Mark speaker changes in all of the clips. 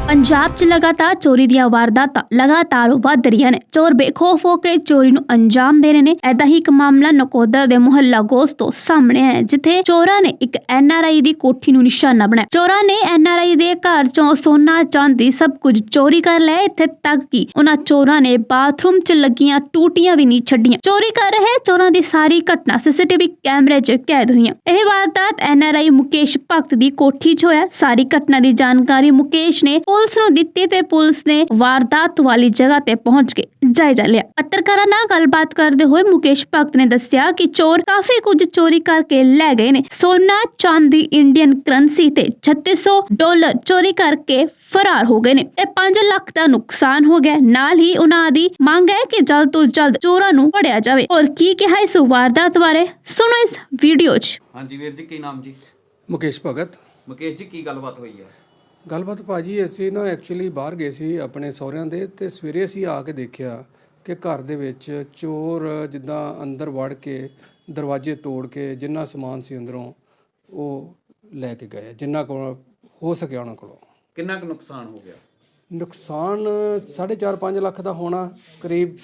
Speaker 1: ਪੰਜਾਬ 'ਚ ਲਗਾਤਾਰ ਚੋਰੀ ਦੀਆਂ ਵਾਰਦਾਤਾਂ ਲਗਾਤਾਰ ਵੱਧ ਰਹੀਆਂ ਨੇ। ਚੋਰ ਬੇਖੌਫ ਹੋ ਕੇ ਚੋਰੀ ਨੂੰ ਅੰਜਾਮ ਦੇ ਰਹੇ ਨੇ। ਐਦਾਂ ਹੀ ਇੱਕ ਮਾਮਲਾ ਨਕੋਦਰ ਦੇ ਮੁਹੱਲਾ ਗੋਸਤ ਤੋਂ ਸਾਹਮਣੇ ਆਇਆ, ਜਿੱਥੇ ਚੋਰਾਂ ਨੇ ਇੱਕ NRI ਦੀ ਕੋਠੀ ਨੂੰ ਨਿਸ਼ਾਨਾ ਬਣਾਇਆ। ਚੋਰਾਂ ਨੇ NRI ਦੇ ਘਰ 'ਚੋਂ ਸੋਨਾ ਚਾਂਦੀ ਸਭ ਕੁਝ ਚੋਰੀ ਕਰ ਲਿਆ। ਇੱਥੇ ਤੱਕ ਕਿ ਉਹਨਾਂ ਚੋਰਾਂ ਨੇ ਬਾਥਰੂਮ 'ਚ ਲੱਗੀਆਂ ਟੂਟੀਆਂ ਵੀ ਨਹੀਂ ਛੱਡੀਆਂ। ਚੋਰੀ ਕਰ ਰਹੇ ਚੋਰਾਂ ਦੀ ਸਾਰੀ ਘਟਨਾ CCTV ਕੈਮਰੇ 'ਚ ਕੈਦ ਹੋਈਆਂ। ਇਹ ਵਾਰਦਾਤ NRI ਮੁਕੇਸ਼ ਭਗਤ ਦੀ ਕੋਠੀ 'ਚ ਹੋਇਆ। ਸਾਰੀ ਘਟਨਾ ਦੀ ਜਾਣਕਾਰੀ ਮੁਕੇਸ਼ ਨੇ ਪੁਲਿਸ ਨੂੰ ਦਿੱਤੀ ਤੇ ਪੁਲਿਸ ਨੇ ਵਾਰਦਾਤ ਵਾਲੀ ਜਗ੍ਹਾ ਤੇ ਪਹੁੰਚ ਕੇ ਜਾਇਜ਼ਾ ਲਿਆ। ਪੱਤਰਕਾਰਾਂ ਨਾਲ ਗੱਲਬਾਤ ਕਰਦੇ ਹੋਏ ਮੁਕੇਸ਼ ਭਗਤ ਨੇ ਦੱਸਿਆ ਕਿ ਚੋਰ ਕਾਫੀ ਕੁਝ ਚੋਰੀ ਕਰਕੇ ਲੈ ਗਏ ਨੇ। ਸੋਨਾ, ਚਾਂਦੀ, ਇੰਡੀਅਨ ਕਰੰਸੀ ਤੇ $3600 ਚੋਰੀ ਕਰਕੇ ਫਰਾਰ ਹੋ ਗਏ ਨੇ। ਇਹ 5 ਲੱਖ ਦਾ ਨੁਕਸਾਨ ਹੋ ਗਿਆ। ਨਾਲ ਹੀ ਉਹਨਾਂ ਦੀ ਮੰਗ ਹੈ ਕਿ ਜਲਦ ਤੋਂ ਜਲਦ ਚੋਰਾਂ ਨੂੰ ਫੜਿਆ ਜਾਵੇ। ਔਰ ਕੀ ਕਿਹਾ ਇਸ ਵਾਰਦਾਤ ਬਾਰੇ ਸੁਣੋ ਇਸ ਵੀਡੀਓ 'ਚ।
Speaker 2: ਹਾਂਜੀ ਵੀਰ ਜੀ, ਕੀ ਨਾਮ ਜੀ?
Speaker 3: ਮੁਕੇਸ਼ ਭਗਤ।
Speaker 2: ਮੁਕੇਸ਼ ਜੀ, ਕੀ ਗੱਲਬਾਤ ਹੋਈ ਹੈ?
Speaker 3: ਗੱਲਬਾਤ ਭਾਜੀ, ਅਸੀਂ ਨਾ ਐਕਚੁਅਲੀ ਬਾਹਰ ਗਏ ਸੀ ਆਪਣੇ ਸਹੁਰਿਆਂ ਦੇ, ਤੇ ਸਵੇਰੇ ਅਸੀਂ ਆ ਕੇ ਦੇਖਿਆ ਕਿ ਘਰ ਦੇ ਵਿੱਚ ਚੋਰ ਜਿੱਦਾਂ ਅੰਦਰ ਵੜ ਕੇ ਦਰਵਾਜ਼ੇ ਤੋੜ ਕੇ ਜਿੰਨਾ ਸਮਾਨ ਸੀ ਅੰਦਰੋਂ ਉਹ ਲੈ ਕੇ ਗਏ, ਜਿੰਨਾ ਕੋਲ ਹੋ ਸਕਿਆ ਉਹਨਾਂ ਕੋਲੋਂ।
Speaker 2: ਕਿੰਨਾ ਕੁ ਨੁਕਸਾਨ ਹੋ ਗਿਆ?
Speaker 3: ਨੁਕਸਾਨ 4.5-5 ਲੱਖ ਦਾ ਹੋਣਾ ਕਰੀਬ।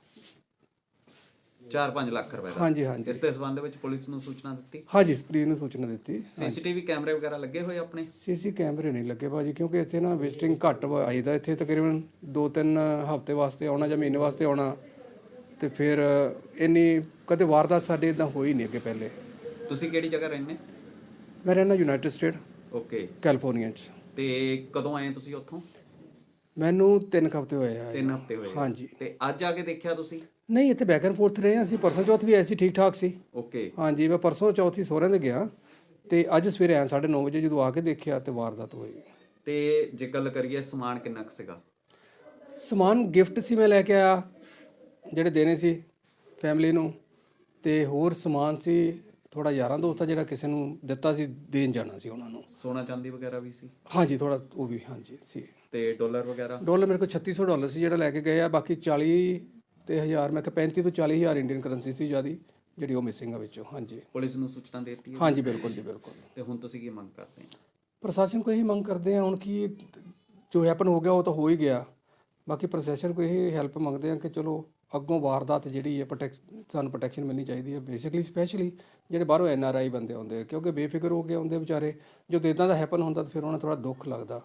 Speaker 2: 4-5 ਲੱਖ ਰੁਪਏ ਦਾ?
Speaker 3: ਹਾਂਜੀ ਹਾਂਜੀ।
Speaker 2: ਇਸ ਦੇ ਸੰਬੰਧ ਵਿੱਚ ਪੁਲਿਸ ਨੂੰ ਸੂਚਨਾ ਦਿੱਤੀ?
Speaker 3: ਹਾਂਜੀ, ਪੁਲਿਸ ਨੂੰ ਸੂਚਨਾ ਦਿੱਤੀ।
Speaker 2: CCTV ਕੈਮਰੇ ਵਗੈਰਾ ਲੱਗੇ ਹੋਏ ਆਪਣੇ?
Speaker 3: CC ਕੈਮਰੇ ਨਹੀਂ ਲੱਗੇ ਭਾਜੀ, ਕਿਉਂਕਿ ਇੱਥੇ ਨਾ ਵਿਜ਼ਿਟਿੰਗ ਘੱਟ ਆਈਦਾ। ਇੱਥੇ ਤਕਰੀਬਨ 2-3 ਹਫ਼ਤੇ ਵਾਸਤੇ ਆਉਣਾ ਜਾਂ ਮਹੀਨੇ ਵਾਸਤੇ ਆਉਣਾ, ਤੇ ਫਿਰ ਇੰਨੀ ਕਦੇ ਵਾਰਦਾਤ ਸਾਡੇ ਇਦਾਂ ਹੋਈ ਨਹੀਂ ਅੱਗੇ ਪਹਿਲੇ।
Speaker 2: ਤੁਸੀਂ ਕਿਹੜੀ ਜਗ੍ਹਾ ਰਹਿੰਦੇ?
Speaker 3: ਮੈਂ ਰਹਿੰਦਾ ਯੂਨਾਈਟਿਡ ਸਟੇਟ,
Speaker 2: ਓਕੇ,
Speaker 3: ਕੈਲੀਫੋਰਨੀਆ 'ਚ।
Speaker 2: ਤੇ ਕਦੋਂ ਆਏ ਤੁਸੀਂ ਉੱਥੋਂ?
Speaker 3: ਮੈਨੂੰ 3 ਹਫ਼ਤੇ ਹੋਏ ਆ।
Speaker 2: 3 ਹਫ਼ਤੇ ਹੋਏ?
Speaker 3: ਹਾਂਜੀ।
Speaker 2: ਤੇ ਅੱਜ ਆ ਕੇ ਦੇਖਿਆ ਤੁਸੀਂ?
Speaker 3: ਨਹੀਂ, ਇੱਥੇ ਬੈਕ ਐਂਡ ਫੋਰਥ ਰਹੇ ਹਾਂ ਅਸੀਂ। ਪਰਸੋਂ ਚੌਥ ਵੀ ਐਸੀ ਠੀਕ ਠਾਕ ਸੀ।
Speaker 2: ਓਕੇ।
Speaker 3: ਹਾਂਜੀ, ਮੈਂ ਪਰਸੋਂ ਚੌਥ ਹੀ ਸਹੁਰਿਆਂ ਦੇ ਗਿਆ, ਤੇ ਅੱਜ ਸਵੇਰੇ ਆਇਆ 9:30 ਵਜੇ। ਜਦੋਂ ਆ ਕੇ ਦੇਖਿਆ ਤੇ ਵਾਰਦਾਤ ਹੋਈ।
Speaker 2: ਤੇ ਜੇ ਗੱਲ ਕਰੀਏ, ਸਮਾਨ ਕਿੰਨਾ ਕੁ ਸੀਗਾ?
Speaker 3: ਸਮਾਨ ਗਿਫਟ ਸੀ, ਮੈਂ ਲੈ ਕੇ ਆਇਆ ਜਿਹੜੇ ਦੇਣੇ ਸੀ ਫੈਮਿਲੀ ਨੂੰ, ਤੇ ਹੋਰ ਸਮਾਨ ਸੀ ਥੋੜਾ ਯਾਰਾਂ ਦੋਸਤਾਂ ਜਿਹੜਾ ਕਿਸੇ ਨੂੰ ਦਿੱਤਾ ਸੀ, ਦੇਣ ਜਾਣਾ ਸੀ ਉਹਨਾਂ ਨੂੰ।
Speaker 2: ਸੋਨਾ ਚਾਂਦੀ ਵਗੈਰਾ ਵੀ ਸੀ?
Speaker 3: ਹਾਂਜੀ, ਥੋੜਾ ਉਹ ਵੀ ਹਾਂਜੀ ਸੀ।
Speaker 2: ਤੇ ਡਾਲਰ ਵਗੈਰਾ?
Speaker 3: ਡਾਲਰ ਮੇਰੇ ਕੋਲ $3600 ਸੀ ਜਿਹੜਾ ਲੈ ਕੇ ਗਏ ਆ। ਬਾਕੀ 40 ਤੇ 1000, ਮੈਂ ਕਿਹਾ 35 ਤੋਂ 40,000 ਇੰਡੀਅਨ ਕਰੰਸੀ ਸੀ ਜਿਆਦੀ, ਜਿਹੜੀ ਉਹ ਮਿਸਿੰਗ ਆ ਵਿੱਚੋਂ। ਹਾਂਜੀ।
Speaker 2: ਪੁਲਿਸ ਨੂੰ ਸੂਚਨਾ ਦੇ ਦਿੱਤੀ ਹੈ?
Speaker 3: ਹਾਂਜੀ, ਬਿਲਕੁਲ ਜੀ, ਬਿਲਕੁਲ।
Speaker 2: ਤੇ ਹੁਣ ਤੁਸੀਂ ਕੀ ਮੰਗ ਕਰਦੇ ਹੋ? ਪ੍ਰਸ਼ਾਸਨ
Speaker 3: ਪ੍ਰਸ਼ਾਸਨ ਕੋਲ ਇਹੀ ਮੰਗ ਕਰਦੇ ਆ ਹੁਣ ਕਿ ਜੋ ਹੈਪਨ ਹੋ ਗਿਆ ਉਹ ਤਾਂ ਹੋ ਹੀ ਗਿਆ। ਬਾਕੀ ਪ੍ਰਸ਼ਾਸਨ ਕੋਲ ਇਹੀ ਹੈਲਪ ਮੰਗਦੇ ਆ ਕਿ ਚਲੋ ਅੱਗੋਂ ਵਾਰਦਾਤ ਜਿਹੜੀ ਹੈ ਸਾਨੂੰ ਪ੍ਰੋਟੈਕਸ਼ਨ ਮਿਲਣੀ ਚਾਹੀਦੀ ਹੈ। ਬੇਸਿਕਲੀ ਸਪੈਸ਼ਲੀ ਜਿਹੜੇ ਬਾਹਰੋਂ NRI ਬੰਦੇ ਆਉਂਦੇ ਆ, ਕਿਉਂਕਿ ਬੇਫਿਕਰ ਹੋ ਕੇ ਆਉਂਦੇ ਵਿਚਾਰੇ। ਜਦੋਂ ਇੱਦਾਂ ਦਾ ਹੈਪਨ ਹੁੰਦਾ ਤਾਂ ਫਿਰ ਉਹਨਾਂ ਥੋੜਾ ਦੁੱਖ ਲੱਗਦਾ।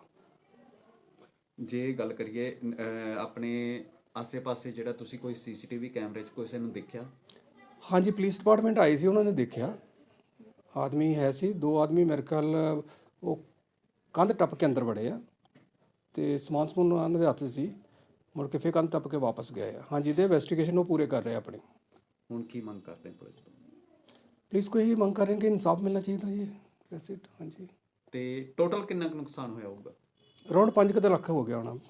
Speaker 2: ਜੇ ਗੱਲ ਕਰੀਏ ਆਪਣੇ ਆਸੇ-ਪਾਸੇ ਜਿਹੜਾ ਤੁਸੀਂ ਕੋਈ CCTV ਕੈਮਰੇ 'ਚ ਕਿਸੇ ਨੂੰ ਦੇਖਿਆ? ਹਾਂਜੀ,
Speaker 3: ਪੁਲਿਸ ਡਿਪਾਰਟਮੈਂਟ ਆਈ ਸੀ, ਉਹਨਾਂ ਨੇ ਦੇਖਿਆ। ਆਦਮੀ ਹੈ ਸੀ, 2 ਆਦਮੀ ਮੇਰੇ ਖਿਆਲ ਉਹ ਕੰਧ ਟੱਪ ਕੇ ਅੰਦਰ ਵੜੇ ਆ, ਤੇ ਸਮਾਨ ਉਹਨਾਂ ਦੇ ਹੱਥ ਸੀ। ਮੁੜ ਕੇ ਫਿਰ ਕੰਧ ਟੱਪ ਕੇ ਵਾਪਸ ਗਏ ਆ। ਹਾਂਜੀ, ਦੇ ਇਨਵੈਸਟੀਗੇਸ਼ਨ ਉਹ ਪੂਰੇ ਕਰ ਰਹੇ ਆਪਣੀ।
Speaker 2: ਹੁਣ ਕੀ ਮੰਗ ਕਰਦੇ ਪੁਲਿਸ ਤੋਂ?
Speaker 3: ਪੁਲਿਸ ਕੋਈ ਇਹੀ ਮੰਗ ਕਰ ਰਹੇ ਕਿ ਇਨਸਾਫ ਮਿਲਣਾ ਚਾਹੀਦਾ ਜੀ, ਵੈਸੇ। ਹਾਂਜੀ।
Speaker 2: ਤੇ ਟੋਟਲ ਕਿੰਨਾ ਕੁ ਨੁਕਸਾਨ ਹੋਇਆ ਹੋਊਗਾ?
Speaker 3: ਅਰਾਊਂਡ 5 ਲੱਖ ਹੋ ਗਿਆ ਹੋਣਾ।